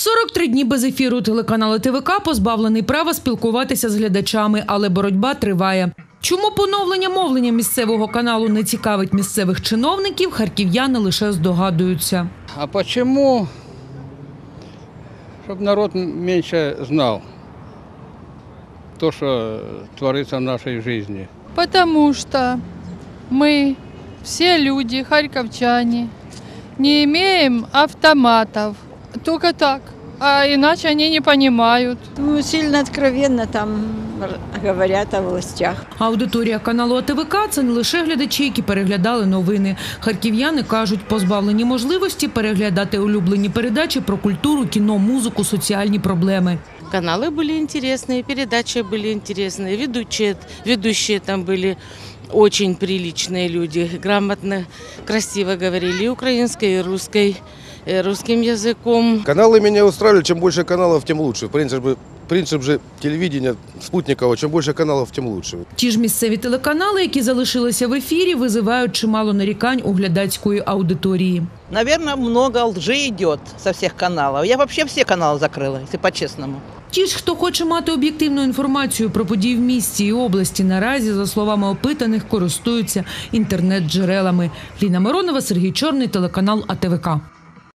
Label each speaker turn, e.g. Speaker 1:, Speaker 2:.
Speaker 1: 43 дні без ефіру телеканал ТВК позбавлений права спілкуватися з глядачами, але боротьба триває. Чому поновлення мовлення місцевого каналу не цікавить місцевих чиновників, харків'яни лише здогадуються.
Speaker 2: А чому? Щоб народ менше знав те, що твориться в нашій житті.
Speaker 3: Потому что мы, все люди, харьковчане, не имеем автоматов. Только так. А иначе они не понимают.
Speaker 4: Ну, сильно откровенно там говорят о властях.
Speaker 1: Аудиторія каналу АТВК – це не лише глядачі, які переглядали новини. Харків'яни кажуть, позбавлені можливості переглядати улюблені передачі про культуру, кіно, музику, соціальні проблеми.
Speaker 5: Каналы были интересные, передачи были интересные, ведущие там были очень приличные люди, грамотно, красиво говорили и украинской, и русским языком.
Speaker 6: Каналы меня устраивали, чем больше каналов, тем лучше. Принцип же телевидения спутникового, чем больше каналов, тем лучше.
Speaker 1: Ті ж місцеві телеканали, які залишилися в ефірі, визивають чимало нарікань у глядацької аудиторії.
Speaker 7: Наверное, много лжи идет со всех каналов. Я вообще все каналы закрыла, если по-честному.
Speaker 1: Ті ж, хто хоче мати об'єктивну інформацію про події в місті і області, наразі, за словами опитаних, користуються інтернет-джерелами. Ліна Миронова, Сергій Чорний, телеканал АТВК.